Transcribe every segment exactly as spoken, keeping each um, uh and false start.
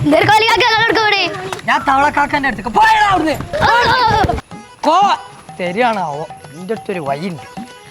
ഞാൻ തവളക്കാക്കന്റെ അടുത്തേക്ക് പോയടാ അവിടുന്ന്. കോ ശരിയാണാവോ എന്റെ അടുത്തൊരു വഴിയുണ്ട്.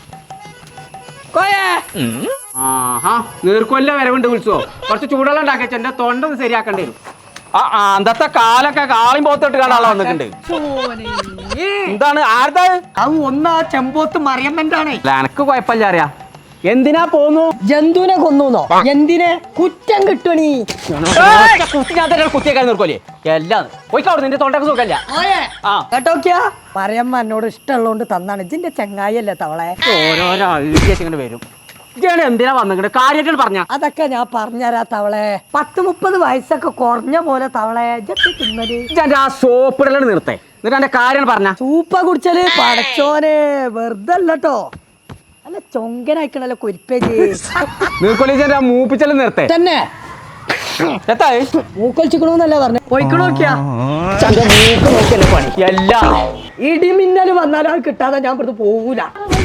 ആഹാ നീർക്കൊല്ല വരവുണ്ട് വിളിച്ചോ. കുറച്ച് ചൂടുവെള്ളം ഉണ്ടാക്കിയ എന്റെ തൊണ്ട ഒന്ന് ശരിയാക്കേണ്ടി വരും. ആ അന്നത്തെ കാലൊക്കെ കാളിയും പോത്തിട്ട് കാണാനുള്ള വന്നിട്ടുണ്ട്. എന്താണ് ആരുടെ അത് ഒന്നാ ചെമ്പോത്ത് മറിയമ്മന്റെ ആണേ. എനക്ക് കുഴപ്പമില്ല അറിയാ. എന്തിനാ പോന്നു? ജന്തുവിനെ കൊന്നൂന്നോ? എന്തിനെ? കുറ്റം കിട്ടണീ. കുത്തിയേക്കാൻ നിർക്കോലേ എല്ലാം പോയിക്കോട്. നിന്റെ തൊണ്ടക്ക് സുഖല്ല കേട്ടോക്കിയാ മറിയമ്മ എന്നോട് ഇഷ്ടമുള്ളതുകൊണ്ട് തന്നാണ്. ഇതിന്റെ ചെങ്ങായല്ലേ തവളെ. ഓരോരോ ഇങ്ങനെ വരും. ഇതാണ് എന്തിനാ വന്നിട്ട് കാര്യമായിട്ട് പറഞ്ഞ. അതൊക്കെ ഞാൻ പറഞ്ഞുതരാ തവളെ. പത്ത് മുപ്പത് വയസ്സൊക്കെ കുറഞ്ഞ പോലെ തവളെ തിന്നത്. ആ സോപ്പിടലാണ് നിർത്തേ. എന്നിട്ട് എന്റെ കാര്യം പറഞ്ഞ. സൂപ്പ കുടിച്ചാല് പടച്ചോനെ വെറുതെ അല്ലട്ടോ. അല്ല ചൊങ്കനായിക്കണല്ലോ കുരിപ്പേജ്. നീർക്കൊലിച്ചെന്റെ മൂപ്പിച്ചല് നിർത്തേ തന്നെ. മൂക്കൊലിച്ചിക്കണോന്നല്ല പറഞ്ഞ. പോയിക്കണോക്കിയാ പണി എല്ലാം ഇടിമിന്നല് വന്നാലും അത് കിട്ടാതെ ഞാൻ ഇവിടുന്ന് പോകൂല.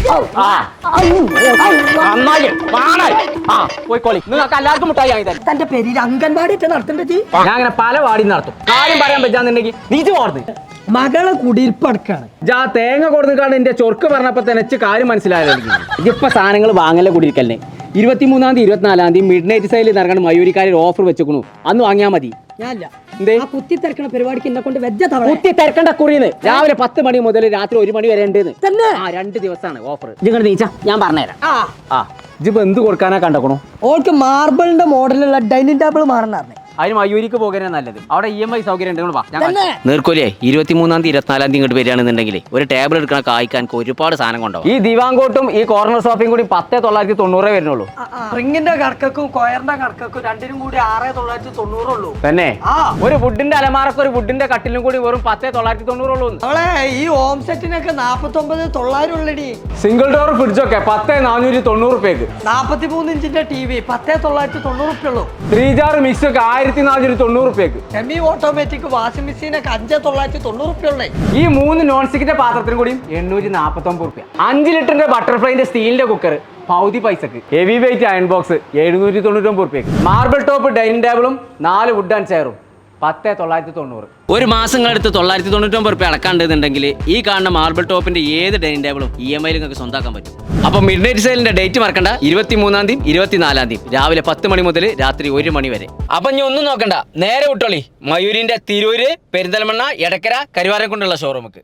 നിങ്ങൾക്ക് എല്ലാവർക്കും മുട്ടായി വാങ്ങി തരാം. തന്റെ പേരിൽ അംഗൻവാടി ഒക്കെ നടത്തേണ്ടത്. ഞാൻ അങ്ങനെ പല വാടി നടത്തും. കാര്യം പറയാൻ പറ്റാന്നുണ്ടെങ്കിൽ നീച്ച് പോർന്ന് മകളെ കുടിയിരിപ്പടക്കാണ്. ജാ തേങ്ങ കൊടുക്കാണ് എന്റെ ചൊർക്ക് പറഞ്ഞപ്പോ തന്നെ കാര്യം മനസ്സിലായല്ലോ. ഇതിപ്പോ സാധനങ്ങൾ വാങ്ങല കൂടിയിരിക്കല്ലേ. ഇരുപത്തിമൂന്നാം തീയതി ഇരുപത്തിനാലാം തീയതി മിഡ് നൈറ്റ് സൈഡിൽ നടക്കണം. മയൂരിക്കാരിൽ ഓഫർ വെച്ചേക്കണു. അന്ന് വാങ്ങിയാൽ മതി. ഞാനില്ല കുത്തി തിരക്കണ പരിപാടിക്ക് എന്നെ കൊണ്ട് വെച്ച തവണ കുത്തി തിരക്കണ്ട കുറിന്ന്. രാവിലെ പത്ത് മണി മുതൽ രാത്രി ഒരു മണി വരെ ഉണ്ട്. തന്നെ ആ രണ്ട് ദിവസമാണ് ഓഫർ. ഇങ്ങനെ നീച്ച ഞാൻ പറഞ്ഞുതരാം. ആ ആ ഇജിപ്പോ എന്ത് കൊടുക്കാനാ കണ്ടക്കണു? ഓൾക്ക് മാർബിളിന്റെ മോഡലുള്ള ഡൈനിങ് ടേബിൾ മാറണ. അതിന് മയൂരിക്ക് പോകാനാണ് നല്ലത്. അവിടെ ഇ എം ഐ സൗകര്യം ഉണ്ട്. നീർക്കോലിയെ ഇരുപത്തിമൂന്നാം തീയതി ഇരുപത്തിനാലാം തീയതി ഇങ്ങോട്ട് വരികയാണെന്നുണ്ടെങ്കിൽ ഒരു ടേബിൾ എടുക്കണ കായ്ക്കാൻ ഒരുപാട് സാധനം കൊണ്ടുപോകും. ഈ ദിവാങ്കോട്ടും ഈ കോർണർ സോഫയും കൂടി പത്തേ തൊള്ളായിരത്തി തൊണ്ണൂറേ വരുന്നുള്ളൂ. റിങ്ങിന്റെ കണക്കും കൊയറിന്റെ കണക്കും രണ്ടിനും കൂടി ആറേ തൊള്ളായിരത്തി തൊണ്ണൂറുള്ളൂ. തന്നെ ഒരു വുഡിന്റെ അലമാറക്ക് ഒരു വുഡിന്റെ കട്ടിലും കൂടി വെറും പത്തേ തൊള്ളായിരത്തി തൊണ്ണൂറുള്ളൂ. അവളെ ഈ ഹോം സെറ്റിനൊക്കെ നാപ്പത്തി ഒമ്പത് തൊള്ളായിരം ഉള്ളടി. സിംഗിൾ ഡോർ ഫ്രിഡ്ജൊക്കെ പത്തേ നാനൂറ്റി തൊണ്ണൂറ് റുപ്യക്ക്. നാപ്പത്തി മൂന്ന് ഇഞ്ചിന്റെ ടി വി പത്തേ തൊള്ളായിരത്തി തൊണ്ണൂറ് റുപ്യ ഉള്ളൂ. ത്രീ ജാർ മിക്സ് ഒക്കെ ആയിരത്തി നാനൂറ്റി തൊണ്ണൂറ് റുപ്യക്ക്. സെമി ഓട്ടോമാറ്റിക് വാഷിംഗ് മെഷീനൊക്കെ അഞ്ചേ തൊള്ളായിരത്തി തൊണ്ണൂറ് റുപ്യ ഉള്ളേ. ഈ മൂന്ന് നോൺ സ്റ്റിക്കിന്റെ പാത്രത്തിനും കൂടി എണ്ണൂറ്റി നാപ്പത്തി ഒമ്പത് റുപ്യ. അഞ്ച് ലിറ്ററിന്റെ ബട്ടർഫ്ലൈന്റെ സ്റ്റീലിന്റെ കുക്കർ പൗതി പൈസക്ക്. ഹെവി വെയിറ്റ് അയൺ ബോക്സ് എഴുന്നൂറ്റി തൊണ്ണൂറ്റി ഒമ്പത് റുപ്യക്ക്. മാർബിൾ ടോപ്പ് ഡൈനിങ് ടേബിളും നാല് വുഡ് ആൻഡ് ചെയറും പത്തേ തൊള്ളായിരത്തി തൊണ്ണൂറ്. ഒരു മാസങ്ങളെടുത്ത് തൊള്ളായിരത്തി തൊണ്ണൂറ്റി ഒമ്പത് റുപ്യ അടക്കാണ്ടെന്നുണ്ടെങ്കിൽ ഈ കാണുന്ന മാർബിൾ ടോപ്പിന്റെ ഏത് ഡൈനിങ് ടേബിളും ഇ എം ഐയിൽ നിങ്ങൾക്ക് സ്വന്തമാക്കാൻ പറ്റും. അപ്പൊ മിഡ് നൈറ്റ് സെയിലിന്റെ ഡേറ്റ് മറക്കണ്ട. ഇരുപത്തിമൂന്നാം തീയതി ഇരുപത്തിനാലാം തീയതി രാവിലെ പത്ത് മണി മുതൽ രാത്രി ഒരു മണി വരെ. അപ്പൊ ഇനി ഒന്നും നോക്കണ്ട, നേരെ വിട്ടോളി മയൂരിന്റെ തിരൂര്, പെരിന്തൽമണ്ണ, എടക്കര, കരുവാരക്കുണ്ടുള്ള ഷോറൂമുക്ക്.